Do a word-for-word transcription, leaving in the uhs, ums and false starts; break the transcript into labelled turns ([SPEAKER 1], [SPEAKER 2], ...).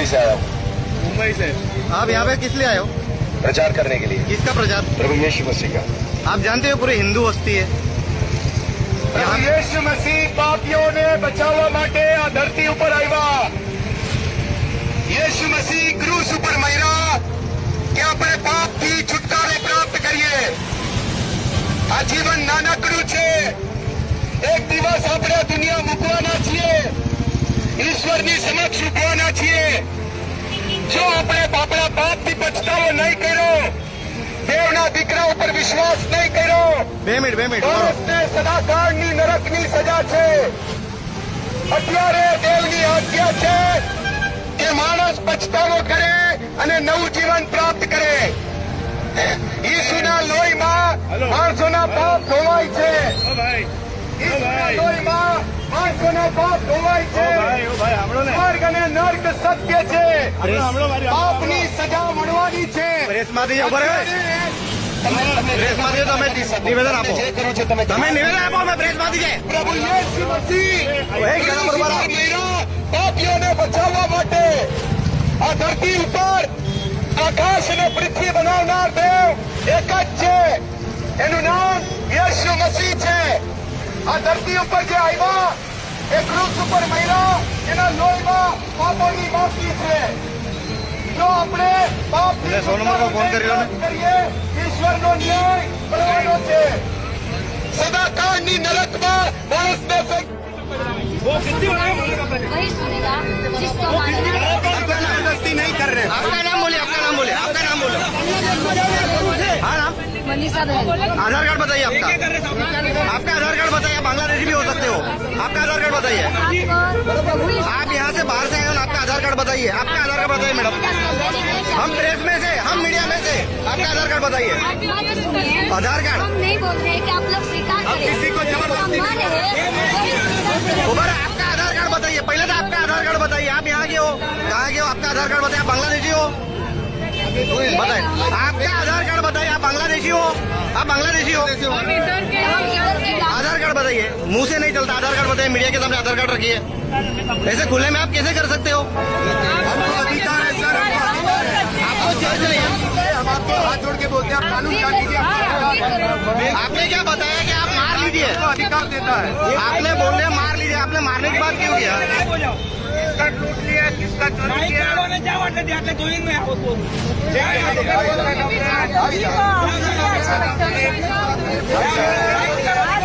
[SPEAKER 1] मुंबई से आया हूँ।
[SPEAKER 2] मुंबई से
[SPEAKER 3] आप यहाँ पे किस लिए आए हो?
[SPEAKER 1] प्रचार करने के लिए।
[SPEAKER 3] किसका प्रचार?
[SPEAKER 1] प्रभु यीशु मसीह का।
[SPEAKER 3] आप जानते हो पूरी हिंदू बस्ती है
[SPEAKER 1] प्रभु यीशु मसीह पापियों ने बचावा माटे आ धरती ऊपर આવ્યા। यीशु मसीह क्रूस ऊपर मर्યા કે આપણે પાપથી છુટકારો પ્રાપ્ત કરીએ। આ જીવન નાનકડું છે। એક દિવસ આપણે દુનિયા મૂકવાના છીએ, ઈશ્વરની સમક્ષ ઉભવાના છીએ। જો આપણે આપણા પાપથી પછતાવો નહીં કર્યો, દેવના દીકરા ઉપર વિશ્વાસ નહીં કર્યો,
[SPEAKER 3] બે મિનિટ બે મિનિટ
[SPEAKER 1] માણસને સદાકાળની નરકની સજા છે। અત્યારે દેવની આજ્ઞા છે કે માણસ પછતાવો કરે અને નવું જીવન પ્રાપ્ત કરે। ઈસુના લોહીમાં માણસોના પાપ ધોવાય છે।
[SPEAKER 2] ओ भाई
[SPEAKER 1] ઈસુના લોહીમાં માણસોના પાપ ધોવાય
[SPEAKER 2] ओ
[SPEAKER 1] છે।
[SPEAKER 2] भाई ओ भाई हमड़ो ने
[SPEAKER 1] સ્વર્ગ અને નર્ક સત્ય છે।
[SPEAKER 2] हमड़ो हमड़ो मारी
[SPEAKER 1] પાપની સજા મળવાની છે।
[SPEAKER 3] પ્રેસમાંથી ઉભા રહો પ્રેસમાંથી તમે નિવેદન આપો
[SPEAKER 1] જે કરો છો તમે
[SPEAKER 3] તમે નિવેદન આપો અમે પ્રેસમાંથી છે
[SPEAKER 1] પ્રભુ યેસુ મસીહ
[SPEAKER 3] એક જણા બરોબર આવો.
[SPEAKER 1] પાપીઓને બચાવવા માટે આ ધરતી ઉપર આકાશ અને પૃથ્વી બનાવનાર દેવ એક જ છે। એનું નામ યેસુ મસીહ છે। આ ધરતી ઉપર જે આવ્યા એ ક્રૂસ ઉપર મર્યા, એના લોહીમાં પાપોની માફી છે। જો આપણે પાપ
[SPEAKER 3] એટલે સોનમરનો ફોન કરી લો ને.
[SPEAKER 1] કરીએ, ઈશ્વરનો ન્યાય કરવાનો છે। સદાકાળની નરકમાં માણસને ફેંક
[SPEAKER 2] वो कितनी बड़ा
[SPEAKER 4] वही सुनेगा जिसको मानेगा।
[SPEAKER 1] जबरदस्ती नहीं कर रहे।
[SPEAKER 3] आपका नाम बोलिए आपका नाम बोलिए आपका नाम बोलो हाँ नाम
[SPEAKER 4] मनीषा बहन
[SPEAKER 3] आधार कार्ड बताइए आपका आपका आधार कार्ड बताइए। बांग्लादेशी भी हो सकते हो। आपका आधार कार्ड बताइए।
[SPEAKER 4] आपको प्रभु
[SPEAKER 3] आप यहाँ से बाहर से आए हो ना, आपका आधार कार्ड बताइए। आपका आधार कार्ड बताइए मैडम। हम प्रेस में से, हम मीडिया में से, आपका आधार कार्ड बताइए। आधार कार्ड
[SPEAKER 4] हम नहीं बोल रहे कि आप लोग स्वीकार करें।
[SPEAKER 1] किसी को जबरदस्ती
[SPEAKER 4] हम माने हैं, वही स्वीकार करें।
[SPEAKER 3] उबर आपका आधार कार्ड बताइए। पहले तो आपका आधार कार्ड बताइए। आप यहाँ के हो, कहाँ के हो? आपका आधार कार्ड बताइए। आप बांग्लादेशी हो? बताइए आपका आधार कार्ड बताइए। आप बांग्लादेशी हो? आप बांग्लादेशी हो?
[SPEAKER 4] हम इधर के हैं।
[SPEAKER 3] आधार कार्ड बताइए। मुंह से नहीं चलता। आधार कार्ड बताइए। मीडिया के सामने आधार कार्ड रखिए। ऐसे खुले में आप कैसे कर सकते हो?
[SPEAKER 1] हमको अधिकार है सर।
[SPEAKER 3] आपको चल जाइए।
[SPEAKER 1] हम आपको हाथ जोड़ के बोलते हैं, आप कानून जान लीजिए।
[SPEAKER 3] आपने क्या बताया कि आप मार लीजिए?
[SPEAKER 1] आपको अधिकार देता है।
[SPEAKER 3] आपने बोल रहे मार लीजिए। आपने मारने की बात क्यों किया?
[SPEAKER 1] किसका लूट लिया, किसका चोरी किया।
[SPEAKER 4] हाँ,